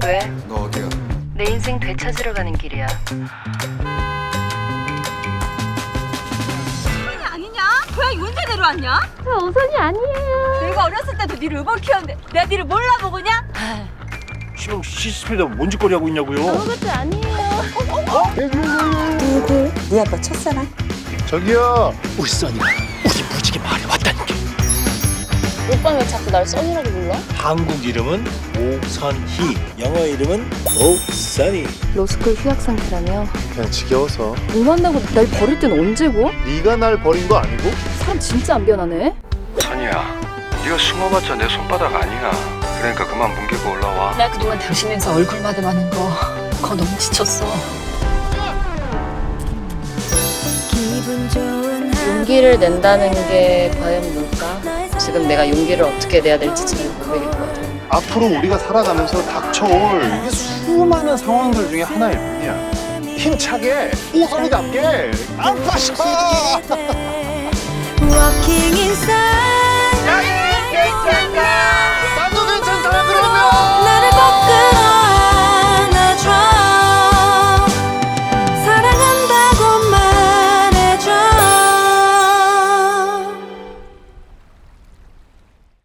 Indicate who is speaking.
Speaker 1: 왜?
Speaker 2: 너 어디야?
Speaker 1: 내 인생 되찾으러 가는 길이야.
Speaker 3: 우선이 아니냐? 고양이 언제 데려왔냐?
Speaker 4: 저 우선이 아니에요.
Speaker 3: 내가 어렸을 때도 니를 의벌 키웠는데 내가 니를 몰라보고냐?
Speaker 5: 지금 CCTV에다 뭔 짓거리 하고 있냐고요?
Speaker 4: 아무것도 아니에요.
Speaker 6: 누구? 네 아빠 첫사랑?
Speaker 2: 저기요.
Speaker 5: 우리 써니가 우리 무지개 마을에 왔다니까.
Speaker 4: 오빠 왜 자꾸 날 써니라고 불러?
Speaker 5: 한국 이름은 오선희, 영어 이름은 오선희.
Speaker 4: 로스쿨 휴학 상태라며.
Speaker 2: 그냥 지겨워서.
Speaker 4: 못 만나고 날 버릴 땐 언제고?
Speaker 2: 네가 날 버린 거 아니고?
Speaker 4: 사람 진짜 안 변하네.
Speaker 7: 선이야, 네가 숨어봤자 내 손바닥 아니야. 그러니까 그만 뭉개고 올라와.
Speaker 8: 나 그동안 당신에서 얼굴 마담하는 거 너무 지쳤어.
Speaker 4: 용기를 낸다는 게 과연 뭘까? 지금 내가 용기를 어떻게 내야 될지 잘 모르겠거든.
Speaker 2: 앞으로 우리가 살아가면서 닥쳐올 이게 수많은 상황들 중에 하나일 뿐이야. 힘차게, 오선이답게, 안 빠져!
Speaker 3: Walking inside